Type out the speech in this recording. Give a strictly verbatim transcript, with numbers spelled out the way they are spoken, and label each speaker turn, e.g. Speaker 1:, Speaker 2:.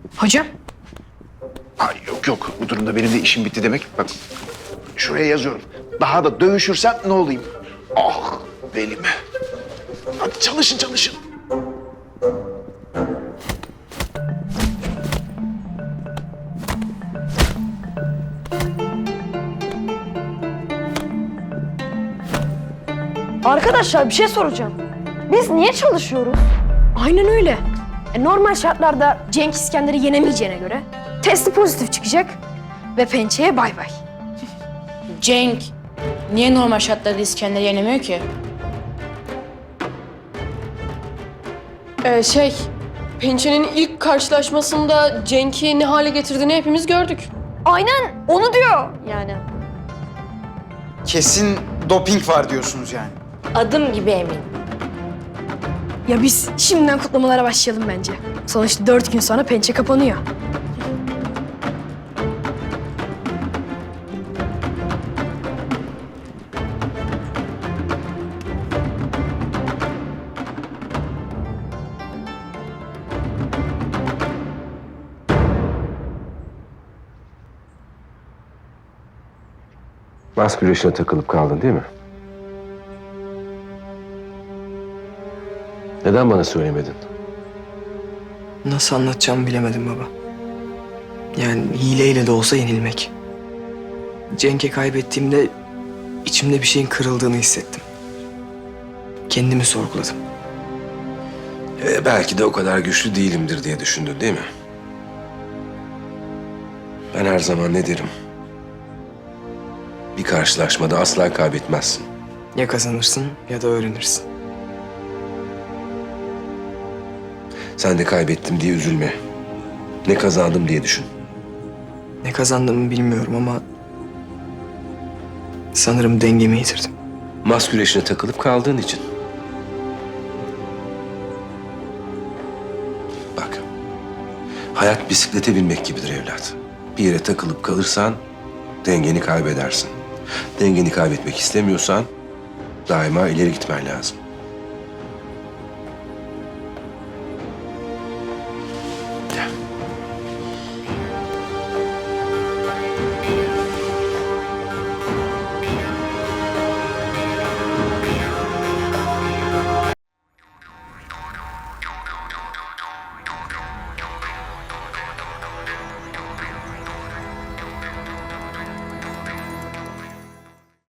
Speaker 1: Hocam.
Speaker 2: Ay yok yok, bu durumda benim de işim bitti demek. Bak şuraya yazıyorum. Daha da dövüşürsem ne olayım? Ah belim. Hadi çalışın çalışın.
Speaker 3: Arkadaşlar bir şey soracağım. Biz niye çalışıyoruz?
Speaker 1: Aynen öyle. E, normal şartlarda Cenk İskender'i yenemeyeceğine göre testi pozitif çıkacak ve pençeye bay bay.
Speaker 4: Cenk, niye normal şartlarda İskender'i yenemiyor ki?
Speaker 5: Ee, şey, Pençe'nin ilk karşılaşmasında Cenk'i ne hale getirdiğini hepimiz gördük.
Speaker 3: Aynen onu diyor yani.
Speaker 6: Kesin doping var diyorsunuz yani.
Speaker 4: Adım gibi emin.
Speaker 1: Ya biz şimdiden kutlamalara başlayalım bence. Sonuçta dört gün sonra pençe kapanıyor.
Speaker 7: Mas güreşine takılıp kaldın değil mi? Neden bana söylemedin?
Speaker 8: Nasıl anlatacağımı bilemedim baba. Yani hileyle de olsa yenilmek. Cenk'e kaybettiğimde içimde bir şeyin kırıldığını hissettim. Kendimi sorguladım.
Speaker 7: Ee, belki de o kadar güçlü değilimdir diye düşündün değil mi? Ben her zaman ne derim? Bir karşılaşmada asla kaybetmezsin.
Speaker 8: Ya kazanırsın ya da öğrenirsin.
Speaker 7: Sen de kaybettim diye üzülme. Ne kazandım diye düşün.
Speaker 8: Ne kazandığımı bilmiyorum ama sanırım dengemi yitirdim.
Speaker 7: Mas güreşine takılıp kaldığın için. Bak, hayat bisiklete binmek gibidir evlat. Bir yere takılıp kalırsan dengeni kaybedersin. Dengeni kaybetmek istemiyorsan daima ileri gitmen lazım.